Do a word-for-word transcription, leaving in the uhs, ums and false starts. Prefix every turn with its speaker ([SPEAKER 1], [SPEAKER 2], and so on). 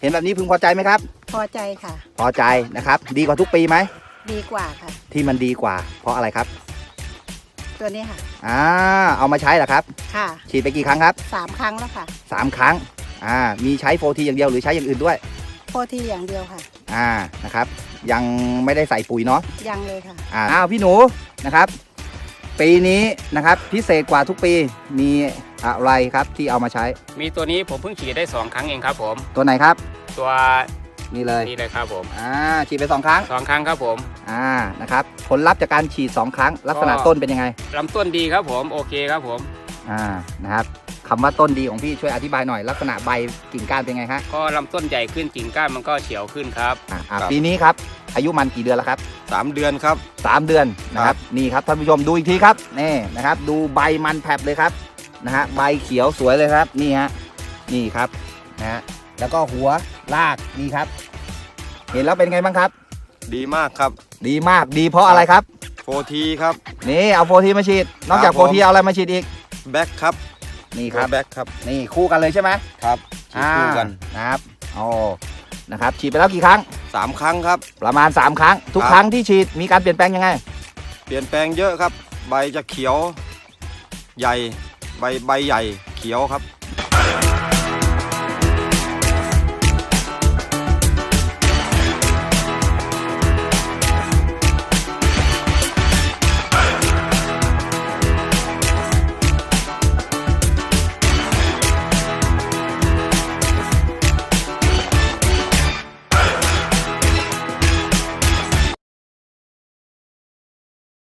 [SPEAKER 1] เห็นแบบนี้พึงพอใจไหมครับ
[SPEAKER 2] พอใจค่ะ
[SPEAKER 1] พอใจนะครับดีกว่าทุกปีไหม
[SPEAKER 2] ดีกว่าค่ะ
[SPEAKER 1] ที่มันดีกว่าเพราะอะไรครับ
[SPEAKER 2] ตัวนี้ค่ะ
[SPEAKER 1] อ่าเอามาใช้เหรอครับ
[SPEAKER 2] ค่ะ
[SPEAKER 1] ฉีดไปกี่ครั้งครับ
[SPEAKER 2] สามครั้งแล้วค่ะ
[SPEAKER 1] สามครั้งอ่ามีใช้โฟทีอย่างเดียวหรือใช้อย่างอื่นด้วย
[SPEAKER 2] โฟทีอย่างเดียวค่ะ
[SPEAKER 1] อ่านะครับยังไม่ได้ใส่ปุ๋ยเนาะ
[SPEAKER 2] ยังเลยค่ะ
[SPEAKER 1] อ่าอ้าวพี่หนูนะครับปีนี้นะครับพิเศษกว่าทุกปีมีอะไรครับที่เอามาใช้
[SPEAKER 3] มีตัวนี้ผมเพิ่งฉีดได้สองครั้งเองครับผม
[SPEAKER 1] ตัวไหนครับ
[SPEAKER 3] ตัว
[SPEAKER 1] นี่เลย
[SPEAKER 3] นี่เลยครับผม
[SPEAKER 1] อ่าฉีดไปสองครั้ง
[SPEAKER 3] สองครั้งครับผม
[SPEAKER 1] อ่านะครับผลลัพธ์จากการฉีดสองครั้งลักษณะต้นเป็นยังไง
[SPEAKER 3] ลำต้นดีครับผมโอเคครับผม
[SPEAKER 1] อ่านะครับคำว่าต้นดีของพี่ช่วยอธิบายหน่อยลักษณะใบกิ่งก้านเป็นไงฮะ
[SPEAKER 3] ก็ลำต้นใหญ่ขึ้นกิ่งก้านมันก็เฉียวขึ้นครับ
[SPEAKER 1] อ่าปีนี้ครับอายุมันกี่เดือนแล้วครับ
[SPEAKER 4] สามเดือนครับ
[SPEAKER 1] สามเดือนนะครับนี่ครับท่านผู้ชมดูอีกทีครับนี่นะครับดูใบมันแผลบเลยครับนะฮะใบเขียวสวยเลยครับนี่ฮะนี่ครับนะฮะแล้วก็หัวรากนี่ครับเห็นแล้วเป็นไงบ้างครับ
[SPEAKER 4] ดีมากครับ
[SPEAKER 1] ดีมากดีเพราะอะไรครับ
[SPEAKER 4] โฟทีครับ
[SPEAKER 1] นี่เอาโฟทีมาฉีดนอกจากโฟทีเอาอะไรมาฉีดอีก
[SPEAKER 4] แบ็คครับ
[SPEAKER 1] นี่ครับ
[SPEAKER 4] แบ็คครับ
[SPEAKER 1] นี่คู่กันเลยใช่ไหม
[SPEAKER 4] ครับฉีดคู่กัน
[SPEAKER 1] นะครับโอ้นะครับฉีดไปแล้วกี่ครั้ง
[SPEAKER 4] สามครั้งครับ
[SPEAKER 1] ประมาณสามครั้งทุกครั้งที่ฉีดมีการเปลี่ยนแปลงยังไง
[SPEAKER 4] เปลี่ยนแปลงเยอะครับใบจะเขียวใหญ่ใบใบใหญ่เขียวครับ